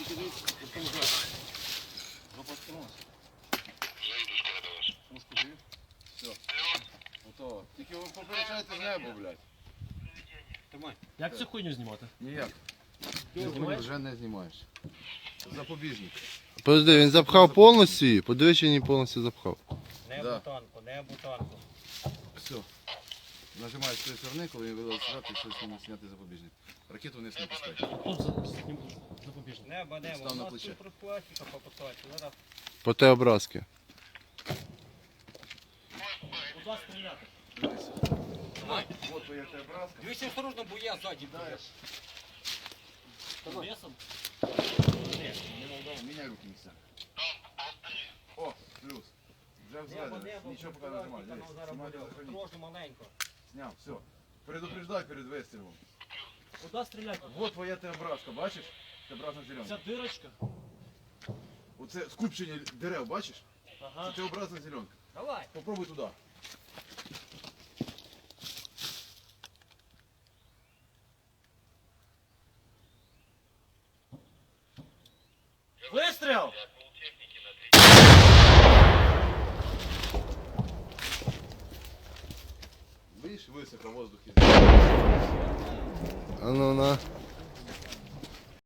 Готово. Тільки ви попереджайте з неба, блядь. Як цю хуйню знімати? Ніяк. Ти вже не знімаєш. Запобіжник. Подожди, він запхав повністю її? Подивись, чи він повністю запхав. Не Да. бутонку, не бутонку. Все. Нажимаєш з цієї сторони, коли він вилазить сюди, ти все зняти запобіжник. Ракету вниз не пускай. Тут запобіжник. Небо, Став небо. У на нас плече. тут пластика попитати. Зараз По те образки. Куди стріляти? Дивися. Вот твоя та образка. дивіться осторожно, бо я ззаді. Весом? Міняй руки місця. О, плюс. Вже взведено. Нічого поки не нажимай. Дивись. Знімай, захорони. Осторожно, маленько. Зняв, все. Предупреждай перед вистрілом. Куди стріляти? Вот твоя та образка, бачиш? Та образна зелена. Ця дирочка? Оце скупчення дерев, бачиш? Ага. Це Т-образна зеленка. Давай. Попробуй туди. Вистріл! Видиш, високо воздух. А ну на.